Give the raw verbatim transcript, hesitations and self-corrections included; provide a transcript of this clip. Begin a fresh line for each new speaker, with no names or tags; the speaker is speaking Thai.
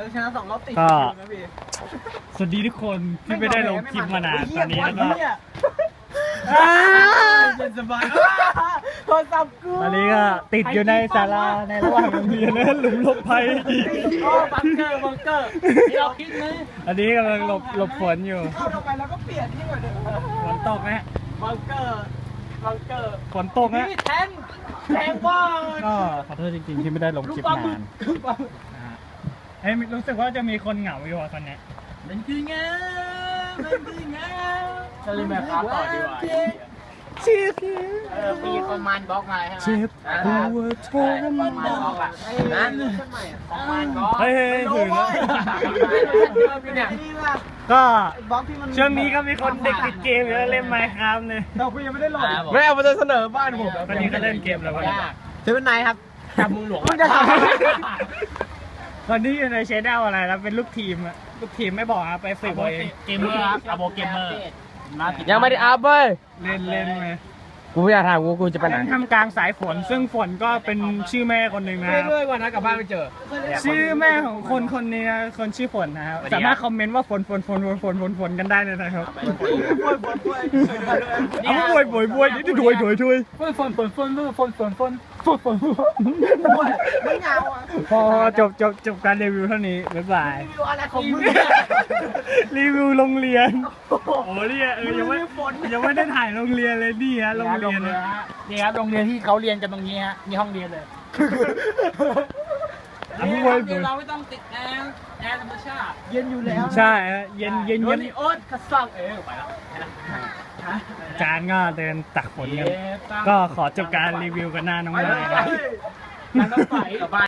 เราชนะสองรอบติด
ก็
นะพี่
สวัสดีทุกคนที่ไม่ได้ลงคลิปมานานตอนนี้แล้วก็
เย็นสบายโทรศัพท์กู
ตอนนี้ก็ติดอยู่ในศาลาในระหว่างโรงเรียนนะหลุมหลบภัย
โอ้บังเกอร์บังเกอร์ที่เราคิดไหม
อันนี้กำลังหลบหลบฝนอยู่
เข้าลงไปแล้วก็เปลี่ยนที่ก่อนเดิม
ฝนตกนะ
บังเกอร์บังเกอร์
ฝนตกนะ
นี่แทงแทงว่า
ก็ขอโทษจริงๆที่ไม่ได้ลงคลิปนานนะฮะเฮ้ยรู้สึกว่าจะมีคนเหงาอยู่อ่ะตอนเนี้ย
เป็นจริงไงเป็นจริงไงจะเล่นแบบครับต่อดีกว่า
เจ็บ
เออมีคอมมานด์บล็อกมาใช่ไหม
เจ็บหัวทร
คอม
มาม
านด์บล็อก
น
อ่ะนั่นคอมมานด์บล็อก
เฮ้ยเฮ้ยถึงแล้ว
เนี่ย
ก็
บล็อกที่มัน
ช่วงนี้ก็มีคนเด็กติดเกมเยอะเล่นไมค์ครับเนี่ย
เราคุยยังไม่ได้ลง
ไม่เอามาจะเสนอบ้านผม
วันนี้ก็เล่นเกมแล้ววันนี้
เซเว่นไนท์ครับจับมือหลวง
มันจะทำวันนี้อยู่ในเชนแนลอะไรแล้วเป็นลูกทีมอะลูกทีมไม่บอกอะไปฝึกเอาเอง
เกมเมอร์ครับอาโบเกมเมอร์
ยังไม่ได้อัพเว้ย
เล่นเล่นไหม
กูไม่อยากถามกูกูจะไปไหน
ทำกลางสายฝนซึ่งฝนก็เป็นชื่อแม่คนหนึ่งนะครับ
ด้วยวันนะกลับบ้านไปเจอ
ชื่อแม่ของคนคนนี้นะคนชื่อฝนนะครับสามารถคอมเมนต์ว่าฝนฝนฝนฝนฝนฝนฝนกันได้เลยนะครับเอาบวยบวยบวยนี่ถวยถวยถวย
ฝนฝนฝนฝนฝนฝนฝนฝนฝนไม่เงาอ่ะ
พอจบจบจบการรีวิวเท่านี้บ๊ายบาย
รีวิวอะไรของมึง
รีวิวโรงเรียนโอ้เนี่ยเออยังไม่ยังไม่ได้ถ่ายโรงเรียนเลยนี่ฮะโรงเรียน
นี่ครับโรงเรียนที่เขาเรียนกันตรงนี้ฮะนี่ห้องเรียนเลย
อ่ะ
นี่
บวย
เดี๋ยว
บ
เรา
วย
ไม่ต้องติดแอร์แอร์ธรรมชาติเย็นอยู่แล้ว
ใช่ฮะเย็นเย็น
โด
เย็
น
น
นี่โอ๊ตกระซังเออไปแล้ว
จานก็เดินตักฝนกันก็ขอจบการรีวิวกันหน้าน้องเลยนะ
มันต้องใส่